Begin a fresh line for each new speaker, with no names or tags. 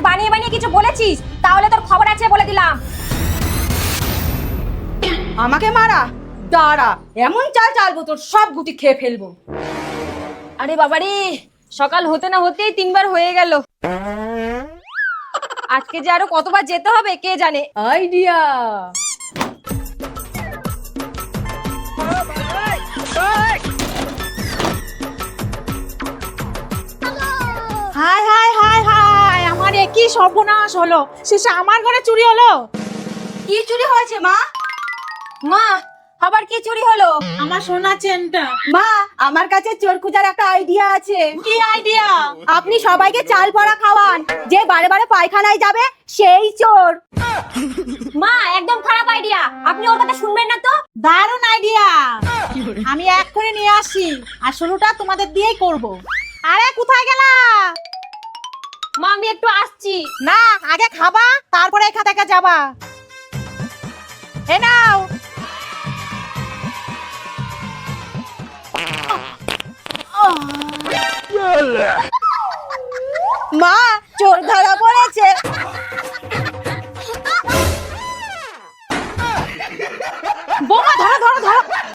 বানিয়ে বানিয়ে কিছু বলেছিস তাহলে তোর খবর আছে বলে দিলাম।
আমাকে মারা? দাঁড়া, এমন চাল চালবো তোর সব গুটি খেয়ে ফেলবো।
আরে বাবারে, সকাল হতে না হতেই 3বার হয়ে গেল। আজকে যে আরো কতবার যেতে হবে কে জানে।
আইডিয়া।
হায় হায় হায় হায়, আমার একই সর্বনাশ হলো। শেষে আমার ঘরে চুরি হলো।
কি চুরি হয়েছে মা?
মা, আবার কি চুরি হলো?
আমার সোনা চেনটা।
মা, আমার কাছে চোর খোঁজার একটা আইডিয়া আছে।
কি আইডিয়া?
আপনি সবাইকে চাল পড়া খাওয়ান, যে বারে বারে পায়খানায় যাবে সেই চোর।
মা, একদম খারাপ আইডিয়া, আপনি ওর কথা শুনবেন না তো।
দারুণ আইডিয়া, আমি এক্ষুনি নিয়ে আসি। আর শুরুটা তোমাদের দিয়েই করব। আরে কোথায় গেলা?
মা, আমি একটু আসছি।
না, আগে খাবা তারপরে এখান থেকে যাবা। এ নাও।
মা, চোর ধরা পড়েছে।
বোমা ধরো ধরো ধরো।